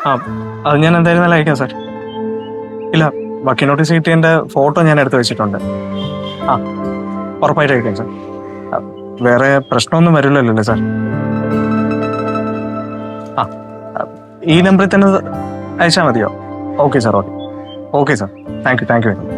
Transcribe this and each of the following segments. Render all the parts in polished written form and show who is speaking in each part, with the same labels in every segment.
Speaker 1: ആ അത് ഞാൻ എന്തായിരുന്നാലും അയക്കാം സാർ. ഇല്ല, വക്കീൽ നോട്ടീസ് കിട്ടിയതിൻ്റെ ഫോട്ടോ ഞാൻ എടുത്ത് വെച്ചിട്ടുണ്ട്. ആ ഉറപ്പായിട്ട് അയക്കാം സാർ. വേറെ പ്രശ്നമൊന്നും വരില്ലല്ലോ സാർ? ആ ഈ നമ്പറിൽ തന്നെ അയച്ചാൽ മതിയോ? Okay sir, okay. Okay sir, thank you very much.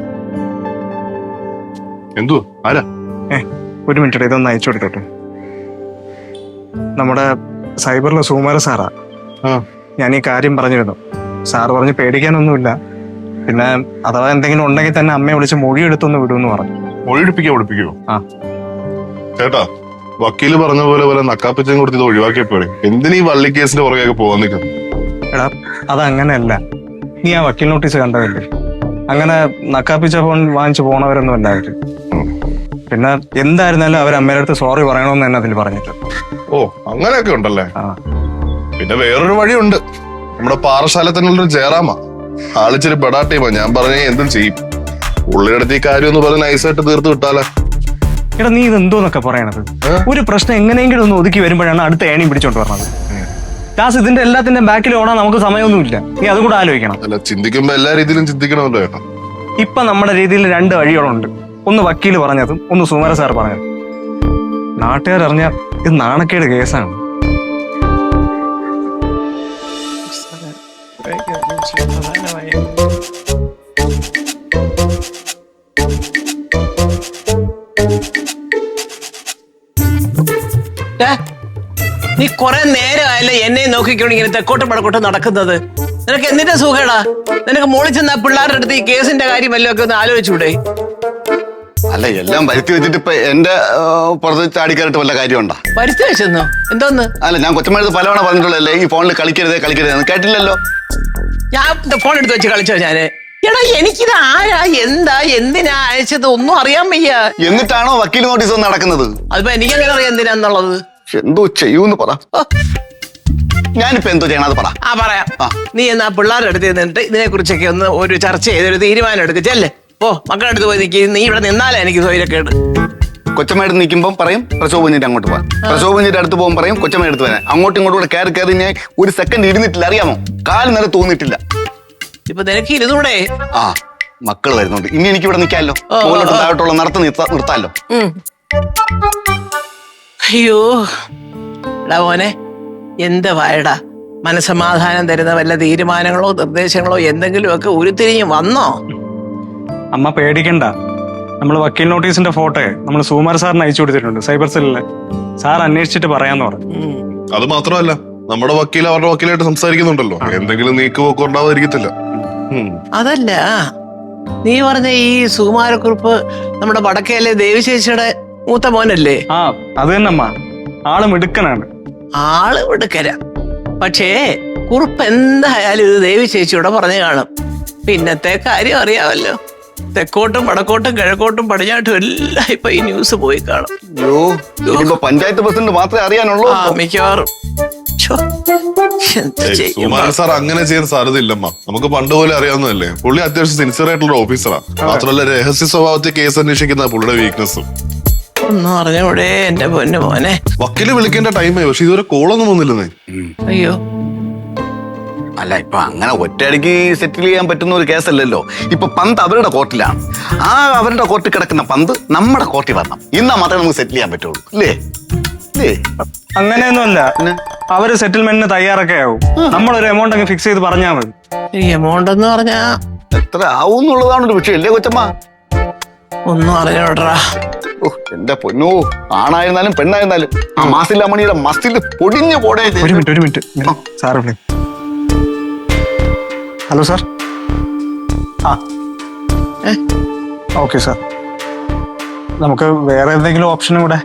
Speaker 2: എന്തോ ആരാ?
Speaker 1: ഒരു മിനിറ്റ്, ഇതൊന്ന് അയച്ചു കൊടുത്തോട്ടെ. നമ്മുടെ സൈബറിലെ സുകുമാര സാറാ. ഞാൻ ഈ കാര്യം പറഞ്ഞിരുന്നു. സാറ് പറഞ്ഞ് പേടിക്കാനൊന്നുമില്ല, പിന്നെ അഥവാ എന്തെങ്കിലും ഉണ്ടെങ്കിൽ തന്നെ അമ്മയെ വിളിച്ച് മൊഴി എടുത്തൊന്ന് വിടുമെന്ന് പറഞ്ഞു.
Speaker 2: മൊഴി എടുപ്പിക്കോ?
Speaker 1: ആ
Speaker 2: ചേട്ടാ, വക്കീല് പറഞ്ഞ പോലെ നക്കാപ്പിച്ചും കൊടുത്ത് ഇത് ഒഴിവാക്കിയപ്പോഴേ എന്തിനീ വള്ളി കേസിന്റെ പുറകെയൊക്കെ പോകാൻ നിൽക്കുന്നു?
Speaker 1: എടാ, അതങ്ങനെയല്ല. നീ ആ വക്കീൽ നോട്ടീസ് കണ്ടതല്ലേ? അങ്ങനെ നക്കാപ്പിച്ച ഫോൺ വാങ്ങിച്ചു പോണവരൊന്നും അല്ല അവര്. പിന്നെ എന്തായിരുന്നാലും അവർ അമ്മയുടെ അടുത്ത് സോറി പറയണമെന്ന് തന്നെ അതിൽ പറഞ്ഞിട്ട്.
Speaker 2: ഓ, അങ്ങനെയൊക്കെ ഉണ്ടല്ലേ?
Speaker 1: ആ
Speaker 2: പിന്നെ വേറൊരു വഴിയുണ്ട്. നമ്മുടെ പാറശാല തന്നെയുള്ളൊരു ജയറാമ ആളിച്ചിരി പെടാട്ടീമാ. ഞാൻ പറഞ്ഞ എന്തും ചെയ്യും. ഉള്ളിടത്ത് ഈ കാര്യം ഒന്ന് പറഞ്ഞ് നൈസായിട്ട് തീർത്ത് വിട്ടാലേ.
Speaker 1: എടാ, നീ ഇത് എന്തോന്നൊക്കെ പറയണത്? ഒരു പ്രശ്നം എങ്ങനെയെങ്കിലും ഒന്ന് ഒതുക്കി വരുമ്പോഴാണ് അടുത്ത ഏണിയും പിടിച്ചോണ്ട് പറഞ്ഞത്. ദാസ്, ഇതിന്റെ എല്ലാത്തിന്റെ ബാക്കിൽ ഓടാൻ നമുക്ക് സമയമൊന്നുമില്ല. നീ അതും കൂടെ ആലോചിക്കണം.
Speaker 2: അല്ല, ചിന്തിക്കുമ്പോ എല്ലാ രീതിയിലും ചിന്തിക്കണമല്ലോ ചേട്ടാ.
Speaker 1: ഇപ്പൊ നമ്മുടെ രീതിയിൽ രണ്ട് വഴികളുണ്ട്. ഒന്ന് വക്കീല് പറഞ്ഞതും, ഒന്ന് സുകുമാര സാർ പറഞ്ഞതും. നാട്ടുകാരറിഞ്ഞാൽ ഇത് നാണക്കേട് കേസാണ്.
Speaker 3: നീ കൊറേ നേരമായല്ലേ എന്നെ നോക്കിക്കൊണ്ട് ഇങ്ങനെ തെക്കോട്ടും വടക്കോട്ടും നടക്കുന്നത്? നിനക്ക് എന്തിന്റെ സുഖേടാ? നിനക്ക് മോളിൽ ചെന്ന പിള്ളേരുടെ അടുത്ത് ഈ കേസിന്റെ കാര്യം വല്ലതും ഒക്കെ ഒന്ന് ആലോചിച്ചൂടെ?
Speaker 4: അല്ല, എല്ലാം വരുത്തി വെച്ചിട്ട് ഇപ്പൊ എന്റെ പുറത്ത് ചാടിക്കയറിട്ട് വല്ല കാര്യമുണ്ടോ?
Speaker 3: വരുത്തി വെച്ചെന്നോ? എന്തോന്ന്?
Speaker 4: അല്ല, ഞാൻ കൊച്ചമ്മ പലവണ പറഞ്ഞിട്ടുള്ളല്ലേ ഈ ഫോണിൽ കളിക്കരുത് കേട്ടില്ലല്ലോ.
Speaker 3: ഞാൻ ഫോൺ എടുത്ത് വെച്ച് കളിച്ചോ ഞാന്? എടാ, എനിക്കിത് ആരാ, എന്താ, എന്തിനാ അയച്ചത് ഒന്നും അറിയാൻ വയ്യ.
Speaker 4: എന്നിട്ടാണോ വക്കീൽ നോട്ടീസ് നടക്കുന്നത്?
Speaker 3: അതിപ്പോ എനിക്കെങ്ങനെ അറിയാം എന്തിനാന്നുള്ളത്?
Speaker 4: എന്തോ ചെയ്യൂന്ന് പറ. ഞാനിപ്പോ എന്തോ ചെയ്യണം അത് പറ.
Speaker 3: പറയാം. നീ എന്നാ പിള്ളേരുടെ അടുത്ത് നിന്നിട്ട് ഇതിനെ കുറിച്ചൊക്കെ ഒന്ന് ഒരു ചർച്ച ചെയ്തൊരു തീരുമാനം എടുക്കുക. ചെല്ലേ, ഓ മക്കളുടെ അടുത്ത് പോയി നിൽക്കി. നീ ഇവിടെ നിന്നാലേ എനിക്ക് സ്വൈരക്കേട്.
Speaker 4: കൊച്ചമ്മയുടെ നിൽക്കുമ്പോൾ പറയും പ്രസവകുഞ്ഞിന്റെ അങ്ങോട്ട് പോകാൻ, പ്രസവകുഞ്ഞിന്റെ അടുത്ത് പോകുമ്പോൾ പറയും കൊച്ചമ്മ എടുത്ത് വരാൻ. അങ്ങോട്ടും ഇങ്ങോട്ടും കൂടെ കയറി ഞാൻ ഒരു സെക്കൻഡ് ഇരുന്നിട്ടില്ല, അറിയാമോ? കാല് നേരെ തോന്നിയിട്ടില്ല.
Speaker 3: ഇപ്പൊ നിനക്ക് ഇരുന്നൂടെ?
Speaker 4: മക്കള് വരുന്നുണ്ട്. ഇനി എനിക്ക് ഇവിടെ നിൽക്കാമല്ലോ. മുകളിലോട്ട് താഴോട്ടുള്ള നിർത്താമല്ലോ.
Speaker 3: അയ്യോ എടാ മോനെ, എന്ത് വായടാ, മനസമാധാനം തരുന്ന വല്ല തീരുമാനങ്ങളോ നിർദ്ദേശങ്ങളോ എന്തെങ്കിലുമൊക്കെ ഉരുത്തിരിഞ്ഞ് വന്നോ?
Speaker 1: അമ്മ പേടിക്കണ്ട. നമ്മൾ വക്കീൽ നോട്ടീസിന്റെ ഫോട്ടോ നമ്മൾ സുകുമാർ സാറിന് അയച്ചു കൊടുത്തിട്ടുണ്ട് സൈബർ സെല്ലില്. സാർ അന്വേഷിച്ചിട്ട് പറയാന്ന് പറഞ്ഞു.
Speaker 2: അത് മാത്രമല്ല, നമ്മുടെ വക്കീൽ അവരുടെ വക്കീലായിട്ട് സംസാരിക്കുന്നുണ്ടല്ലോ. എന്തെങ്കിലും നീക്കുപോക്ക് ഉണ്ടാവാതിരിക്കത്തില്ല.
Speaker 3: അതല്ല, നീ പറഞ്ഞ ഈ സുകുമാരക്കുറിപ്പ് നമ്മുടെ വടക്കേലെ ദേവിശേഷിയുടെ മൂത്ത മോനല്ലേ?
Speaker 1: അത് തന്നെ അമ്മ. ആള് മിടുക്കനാണ്.
Speaker 3: ആള് മിടുക്കര. പക്ഷേ കുറിപ്പ് എന്തായാലും ഇത് ദേവിശേഷിയോടെ പറഞ്ഞു കാണും. പിന്നത്തെ കാര്യം അറിയാമല്ലോ, തെക്കോട്ടും വടക്കോട്ടും കിഴക്കോട്ടും പടിഞ്ഞാട്ടും എല്ലാം ഇപ്പൊ ഈ ന്യൂസ് പോയി കാണും.
Speaker 4: പഞ്ചായത്ത് പ്രസിഡന്റ് മാത്രമേ അറിയാനുള്ളൂ
Speaker 3: മിക്കവാറും.
Speaker 2: സാർ അങ്ങനെ ചെയ്യാൻ സാധ്യതയില്ലമ്മ. നമുക്ക് പണ്ട് പോലെ അറിയാവുന്നതല്ലേ. പുള്ളി അത്യാവശ്യം സിൻസിയർ ആയിട്ടുള്ള ഓഫീസറാ. മാത്രമല്ല രഹസ്യ സ്വഭാവത്തിൽ കേസ് അന്വേഷിക്കുന്ന പുള്ളിയുടെ വീക്ക്നെസ്സും.
Speaker 3: ഒന്നും അറിഞ്ഞൂടെ എന്റെ പൊന്നു മോനെ.
Speaker 2: വക്കീല് വിളിക്കേണ്ട ടൈമായി, പക്ഷെ ഇതുവരെ കോളൊന്നും വന്നില്ലെന്നേ.
Speaker 3: അയ്യോ,
Speaker 4: അല്ല, ഇപ്പൊ അങ്ങനെ ഒറ്റയടിക്ക് സെറ്റിൽ ചെയ്യാൻ പറ്റുന്ന ഒരു കേസല്ലല്ലോ. ഇപ്പൊ പന്ത് അവരുടെ കോർട്ടിലാണ്. അവരുടെ കോർട്ടിൽ കിടക്കുന്ന പന്ത് നമ്മുടെ കോർട്ടിൽ വരണം. ഇന്നാ മാത്രമേ നമുക്ക് സെറ്റിൽ ചെയ്യാൻ പറ്റുള്ളൂ, അല്ലേ?
Speaker 1: അങ്ങനെയൊന്നുമല്ല. അവര് സെറ്റിൽമെന്റിന് തയ്യാറൊക്കെ ആവും. നമ്മളൊരു എമൗണ്ട് അങ്ങ് ഫിക്സ് ചെയ്ത് പറഞ്ഞാൽ മതി.
Speaker 3: എമൗണ്ട് എന്ന് പറഞ്ഞാ
Speaker 4: എത്ര ആവും എന്നുള്ളതാണ് ഒരു വിഷയം, അല്ലേ കൊച്ചമ്മ?
Speaker 3: ഒന്നും അറിഞ്ഞോട്ടറാ.
Speaker 4: എന്റെ പൊന്നോ, ആണായിരുന്നാലും പെണ്ണായിരുന്നാലും ആ മാസില്ലാമണിയുടെ മസ്തിൽ പൊടിഞ്ഞു പോടേ.
Speaker 1: ഒരു minute sir. Hello sir. Okay sir, നമുക്ക് വേറെ എന്തെങ്കിലും ഓപ്ഷനും കൂടെ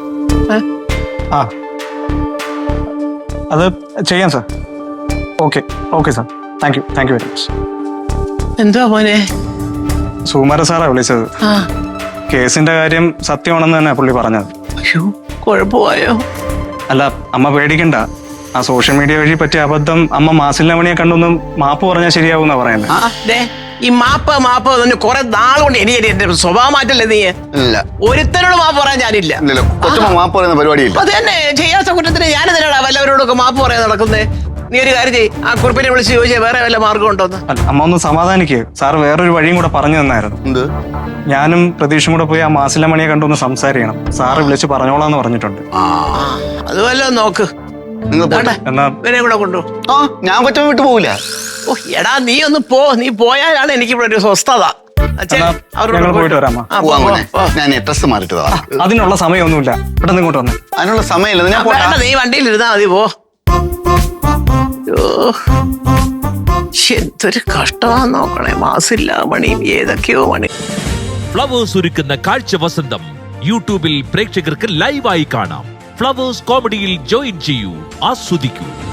Speaker 1: അത് ചെയ്യാം സാർ. Okay sir, thank you very much.
Speaker 3: എന്തുവാ മോനെ?
Speaker 1: സുകുമാര സാറാ വിളിച്ചത്. കേസിന്റെ കാര്യം സത്യമാണെന്ന് തന്നെ പുള്ളി പറഞ്ഞത്.
Speaker 3: അയ്യോ, കുഴപ്പമായോ?
Speaker 1: അല്ല, അമ്മ പേടിക്കണ്ട. ആ സോഷ്യൽ മീഡിയ വഴി പറ്റിയ അബദ്ധം അമ്മ മാസില്ലാമണിയെ കണ്ടൊന്നും മാപ്പ് പറഞ്ഞാൽ ശരിയാവുന്ന പറയുന്നത്.
Speaker 3: ഈ മാപ്പ് കുറെ നാളുകൊണ്ട് എനിക്ക് എന്റെ സ്വഭാവം മാറ്റല്ലേ നീ? ഒരുത്തരോട് മാപ്പ് പറയാൻ ഞാനില്ല.
Speaker 4: മാപ്പ് പറയുന്ന പരിപാടിയില്ല.
Speaker 3: അത് തന്നെ, ചെയ്യാത്ത കുറ്റത്തിന് ഞാൻ എന്തിനാടാ വല്ലവരോടൊക്കെ മാപ്പ് പറയാൻ നടക്കുന്നേ? നീ ഒരു കാര്യം ചെയ്യ്, ആ കുറിപ്പിനെ വിളിച്ച് ചോദിച്ചാൽ വേറെ വല്ല മാർഗം ഉണ്ടോന്ന്.
Speaker 1: അല്ല, അമ്മ ഒന്ന് സമാധാനിക്ക്. സാർ വേറൊരു വഴിയും കൂടെ പറഞ്ഞു തന്നായിരുന്നു.
Speaker 4: എന്ത്?
Speaker 1: ഞാനും പ്രതീക്ഷയും കൂടെ പോയി ആ മാസില മണിയെ കണ്ടൊന്ന് സംസാരിക്കണം. സാറ് വിളിച്ച് പറഞ്ഞോളാന്ന് പറഞ്ഞിട്ടുണ്ട്.
Speaker 4: ആ
Speaker 3: അത് വല്ലതും നോക്ക്.
Speaker 4: നിങ്ങൾ പോട്ടെ.
Speaker 3: ദാണ്ടെ,
Speaker 1: എന്നാ
Speaker 3: ഇവനെ കൂടെ കൊണ്ടുപോ.
Speaker 4: ആ ഞാൻ കൊച്ചമ്മ വിട്ടു പോവില്ല.
Speaker 3: ഓ എടാ നീ ഒന്ന് പോ, നീ പോയാലാണ് എനിക്ക് ഇവിടെ ഒരു സ്വസ്ഥത. അച്ഛൻ,
Speaker 1: എന്നാ
Speaker 3: അവരോട്
Speaker 1: ഞങ്ങൾ
Speaker 3: പോയിട്ട്
Speaker 1: പോയിട്ട് വരാം, അമ്മ.
Speaker 3: ആ, പോ,
Speaker 4: പോവാൻ
Speaker 3: പോ,
Speaker 4: മോനെ.
Speaker 3: പോ.
Speaker 4: ഞാൻ ഡ്രസ് മാറിയിട്ട് വരാം.
Speaker 1: അതിനുള്ള സമയമൊന്നുമില്ല. പെട്ടെന്ന് ഇങ്ങോട്ട് വന്നേ.
Speaker 4: അതിനുള്ള സമയമില്ല, ഞാൻ പോട്ടെ.
Speaker 3: വേണ്ട, നീ വണ്ടിയിൽ ഇരുന്നാ മതി, പോ. അയ്യോ, ശ്ശെ, എന്തൊരു കഷ്ടമാന്ന് നോക്കണേ. മാസില്ല മണിയും ഏതൊക്കെയോ മണി.
Speaker 5: ഫ്ലവേഴ്സ് ഒരുക്കുന്ന കാഴ്ച വസന്തം യൂട്യൂബിൽ പ്രേക്ഷകർക്ക് ലൈവായി കാണാം. ഫ്ലവേഴ്സ് കോമഡിയിൽ ജോയിൻ ചെയ്യൂ, ആസ്വദിക്കൂ.